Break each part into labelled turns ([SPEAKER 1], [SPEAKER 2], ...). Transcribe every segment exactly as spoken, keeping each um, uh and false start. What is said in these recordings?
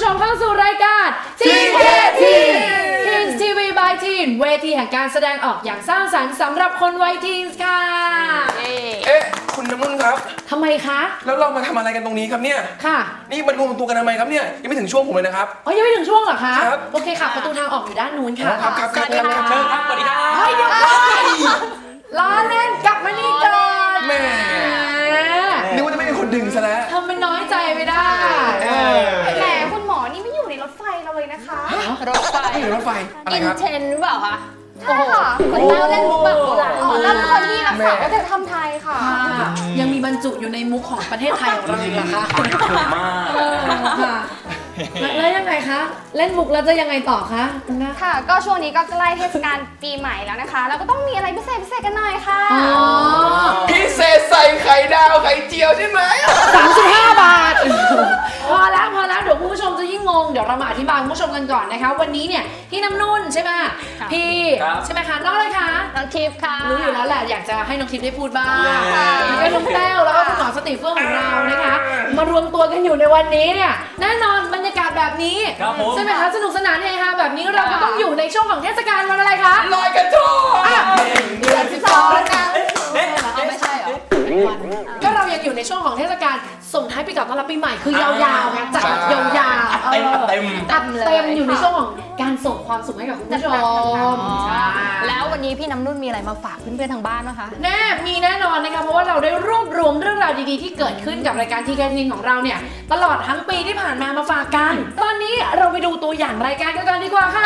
[SPEAKER 1] มเข้าสู่รายการ ที เค ที Teens ที วี by Teen เวทีแห่งการแสดงออกอย่างสร้างสรรค์สำหรับคนวัยทีนส์ค่ะ
[SPEAKER 2] เอ๊ะคุณน้ำนุ่นครับ
[SPEAKER 1] ทำไมคะ
[SPEAKER 2] แล้วเรามาทำอะไรกันตรงนี้ครับเนี่ย
[SPEAKER 1] ค่ะ
[SPEAKER 2] นี่มันรวมตัวกันทำไมครับเนี่ยยังไม่ถึงช่วงผมเลยนะครับ
[SPEAKER 1] อ๋อยังไม่ถึงช่วงเหรอคะครับโอเคค่ะประตูทางออกอยู่ด้านนู้นค่ะ
[SPEAKER 2] ครับครับครับเชิญครับสวัสดีครับ
[SPEAKER 1] เฮ้ยเดี๋ยวล้อเล่นกลับมานี่ก่อน
[SPEAKER 2] แม่นึกว่าจะไม่มีคนดึงซะแล้ว
[SPEAKER 1] ทำเป็นน้อยใจไม่ได้
[SPEAKER 3] แหมคุณหมอนี่ไม่อยู่ในรถไฟเราเลยนะคะ
[SPEAKER 1] รถไฟ
[SPEAKER 2] รถไฟอะไรครับ
[SPEAKER 3] อินเทนหรือเปล่าคะใช่ค่ะคนเล่าเล่นมุกแบบโบราณอ๋อนั่นคนที่รักษาวัฒนธรรมไทยค่ะ
[SPEAKER 1] ยังมีบรรจุอยู่ในมุกของประเทศไทยของเราอีกเหรอคะ
[SPEAKER 2] มาก
[SPEAKER 1] ค่ะแล้วยังไงคะเล่นมุกแล้วจะยังไงต่อคะ
[SPEAKER 3] ค่ะก็ช่วงนี้ก็ใกล้เทศกาลปีใหม่แล้วนะคะแล้วก็ต้องมีอะไรพิเศษพิเศษกันหน่อยค่ะ
[SPEAKER 2] พิเศษใส่ไข่ดาวไข่เจียวใช่ไหม
[SPEAKER 1] สามสิบห้าบาทพอแล้วพอแล้วเดี๋ยวคุณผู้ชมจะยิ่งงงเดี๋ยวเรามาอธิบายคุณผู้ชมกันก่อนนะคะวันนี้เนี่ยพี่น้ำนุ่นใช่ไหมพี่ใช่ไหมคะน้องอะไรคะ
[SPEAKER 3] น้องทิพย์ค่ะ
[SPEAKER 1] รู้อยู่แล้วแหละอยากจะให้น้องทิพย์ได้พูดบ้างแล้วก็น้องแต้วแล้วก็คุณหมอสติเฟื่องของเรานะคะมารวมตัวกันอยู่ในวันนี้เนี่ยแน่นอนบรรยากาศแบบนี้ใช่ไหมคะสนุกสนานเฮฮาแบบนี้เราก็ต้องอยู่ในช่วงของเทศกาลวันอะไรคะ
[SPEAKER 2] ลอยกระทง
[SPEAKER 1] เดือนสิบสองนะไม่ใช่เหรอก็เรายังอยู่ในช่วงของเทศกาลส่งท้ายปีเก่าต้อนรับปีใหม่คือยาวๆไงจัดยาวๆ
[SPEAKER 2] เต็มเต็ม
[SPEAKER 1] เต็มอยู่ในช่วงของการส่งความสุขให้กับคุณผู้ชม
[SPEAKER 3] แล้ววันนี้พี่น้ำนุ่นมีอะไรมาฝากเพื่อนๆทางบ้านนะคะ
[SPEAKER 1] แน่มีแน่นอนนะคะเพราะว่าเราได้รวบรวมเรื่องราวดีๆที่เกิดขึ้นกับรายการ ที เค ที ของเราเนี่ยตลอดทั้งปีที่ผ่านมามาฝากกันตอนนี้เราไปดูตัวอย่างรายการกันก่อนดีกว่าค่ะ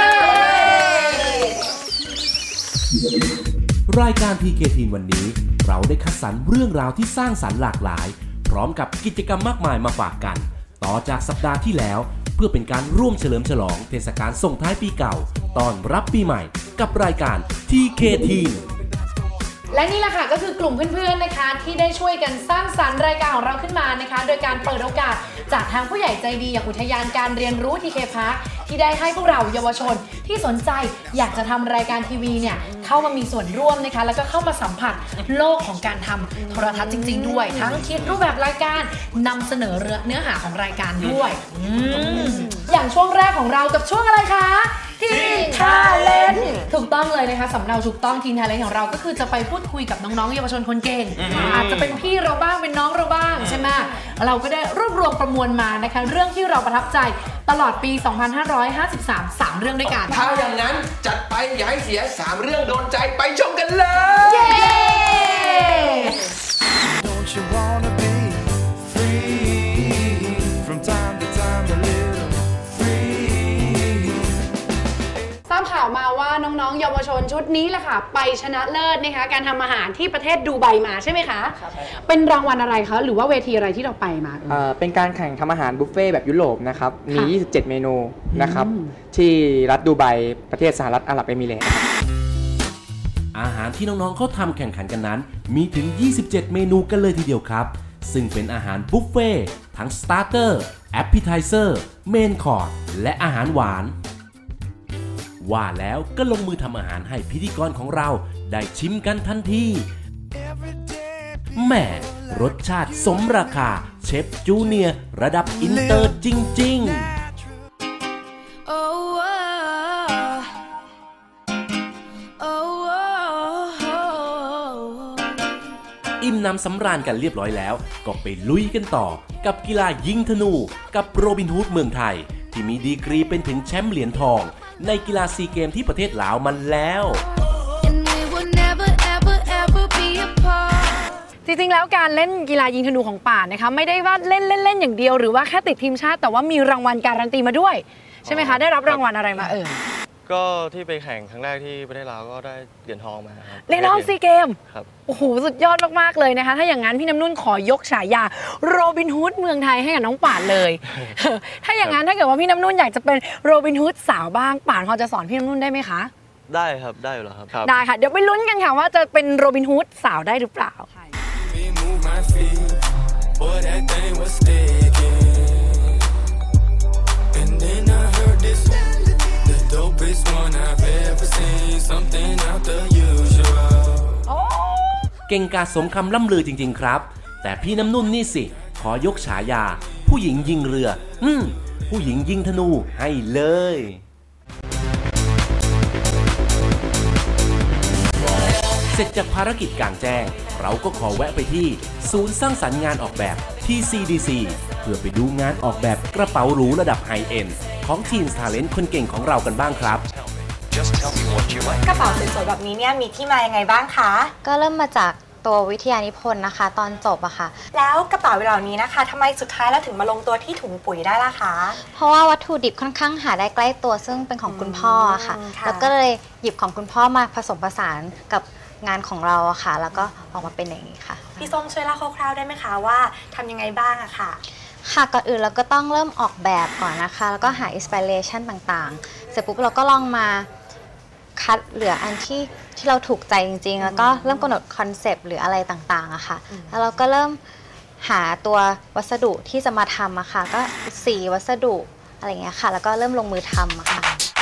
[SPEAKER 4] รายการ ที เค ที วันนี้เราได้คัดสรรเรื่องราวที่สร้างสรรค์หลากหลายพร้อมกับกิจกรรมมากมายมาฝากกันต่อจากสัปดาห์ที่แล้วเพื่อเป็นการร่วมเฉลิมฉลองเทศกาลส่งท้ายปีเก่าต้อนรับปีใหม่กับรายการ ที เค ที
[SPEAKER 1] และนี่แหละค่ะก็คือกลุ่มเพื่อนๆนะคะที่ได้ช่วยกันสร้างสรรค์รายการของเราขึ้นมานะคะโดยการเปิดโอกาสจากทางผู้ใหญ่ใจดีอย่างอุทยานการเรียนรู้ ที เค พาร์ค ที่ได้ให้พวกเราเยาวชนที่สนใจอยากจะทำรายการทีวีเนี่ยเข้ามามีส่วนร่วมนะคะแล้วก็เข้ามาสัมผัสโลกของการทำโทรทัศน์จริงๆด้วยทั้งคิดรูปแบบรายการนำเสนอเนื้อหาของรายการด้วยอย่างช่วงแรกของเรากับช่วงอะไรคะทีนทาเลนต์ถูกต้องเลยนะคะสำเนาถูกต้องทีนทาเลนต์ของเราก็คือจะไปพูดคุยกับน้องๆเยาวชนคนเก่งอาจจะเป็นพี่เราบ้างเป็นน้องเราบ้างใช่ไหมเราก็ได้รวบรวมประมวลมานะคะเรื่องที่เราประทับใจตลอดปี สองพันห้าร้อยห้าสิบสาม สามเรื่องด้วยกัน
[SPEAKER 2] ถ้าอย่างนั้นจัดไปอย่าให้เสียสามเรื่องโดนใจไปชมกันเลย
[SPEAKER 1] เย้ทราบข่าวมาว่าน้องๆเยาวชนชุดนี้แหละค่ะไปชนะเลิศนะคะการทำอาหารที่ประเทศดูไบมาใช่ไหมคะครับเป็นรางวัลอะไรคะหรือว่าเวทีอะไรที่เราไปมา
[SPEAKER 5] เอ่อเป็นการแข่งทำอาหารบุฟเฟ่แบบยุโรปนะครับมียี่สิบเจ็ดเมนูนะครับที่รัฐดูไบประเทศสหรัฐอาหรับเอมิเรตส์
[SPEAKER 4] อาหารที่น้องๆเขาทำแข่งขันกันนั้นมีถึงยี่สิบเจ็ดเมนูกันเลยทีเดียวครับซึ่งเป็นอาหารบุฟเฟ่ทั้งสตาร์เตอร์แอปเปิลไทเซอร์เมนคอร์สและอาหารหวานว่าแล้วก็ลงมือทำอาหารให้พิธีกรของเราได้ชิมกันทันทีแหมรสชาติสมราคาเชฟจูเนียร์ระดับอินเตอร์จริงๆอิ่มน้ำสำราญกันเรียบร้อยแล้วก็ไปลุยกันต่อกับกีฬายิงธนูกับโรบินฮูดเมืองไทยที่มีดีกรีเป็นถึงแชมป์เหรียญทองในกีฬาซีเกมที่ประเทศลาวมันแล้ว
[SPEAKER 1] จริงๆแล้วการเล่นกีฬายิงธนูของป่านนะคะไม่ได้ว่าเล่นเล่นๆอย่างเดียวหรือว่าแค่ติดทีมชาติแต่ว่ามีรางวัลการันตีมาด้วยใช่ไหมคะได้รับรางวัลอะไรมาเอ่ย
[SPEAKER 6] ก็ที่ไปแข่งครั้งแรกที่ประเทศลาวก็ได้เหรียญทองมาครับ
[SPEAKER 1] เหรียญทองซีเกม
[SPEAKER 6] ครับ
[SPEAKER 1] โอ้โหสุดยอดมากๆเลยนะคะถ้าอย่างนั้นพี่น้ำนุ่นขอยกฉายาโรบินฮูดเมืองไทยให้กับน้องป่านเลยถ้าอย่างนั้นถ้าเกิดว่าพี่น้ำนุ่นอยากจะเป็นโรบินฮูดสาวบ้างป่านพอจะสอนพี่น้ำนุ่นได้ไหมคะ
[SPEAKER 6] ได้ครับได้อยู่แล้วครับ
[SPEAKER 1] ได้ค่ะเดี๋ยวไปลุ้นกันค่ะว่าจะเป็นโรบินฮูดสาวได้หรือเปล่า
[SPEAKER 4] เก่งกาจสมคำล่ำลือจริงๆครับแต่พี่น้ำนุ่นนี่สิขอยกฉายาผู้หญิงยิงเรืออืมผู้หญิงยิงธนูให้เลย เสร็จจากภารกิจกลางแจ้งเราก็ขอแวะไปที่ศูนย์สร้างสรรค์งานออกแบบ ที ซี ดี ซี เพื่อไปดูงานออกแบบกระเป๋าหรูระดับไฮเอ็นด์ของทีมทาเลนต์คนเก่งของเรากันบ้างครับ
[SPEAKER 7] กระเป๋าสวยๆแบบนี้เนี่ยมีที่มายังไงบ้างคะ
[SPEAKER 8] ก็เริ่มมาจากตัววิทยานิพนธ์นะคะตอนจบอะค่ะ
[SPEAKER 7] แล้วกระเป๋าเหล่านี้นะคะทำไมสุดท้ายแล้วถึงมาลงตัวที่ถุงปุ๋ยได้ล่ะคะ
[SPEAKER 8] เพราะว่าวัตถุดิบค่อนข้างหาได้ใกล้ตัวซึ่งเป็นของคุณพ่ออะค่ะ
[SPEAKER 7] อืมค่ะ
[SPEAKER 8] แล้วก็เลยหยิบของคุณพ่อมาผสมผสานกับงานของเราอะค่ะ แล้วก็ออกมาเป็นอย่างนี้ค่ะ
[SPEAKER 7] พี่ส้มช่วยเล่าคร่าวๆได้ไหมคะว่าทำยังไงบ้างอะค่ะ
[SPEAKER 8] ค่ะก่อนอื่นเราก็ต้องเริ่มออกแบบก่อนนะคะ แล้วก็หาอินสปิเรชันต่างๆ เสร็จปุ๊บเราก็ลองมาคัดเหลืออันที่ที่เราถูกใจจริงๆ แล้วก็เริ่มกำหนดคอนเซปต์หรืออะไรต่างๆอะค่ะ แล้วเราก็เริ่มหาตัววัสดุที่จะมาทำอะค่ะ ก็สีวัสดุอะไรอย่างเงี้ยค่ะ แล้วก็เริ่มลงมือทำอะค่ะ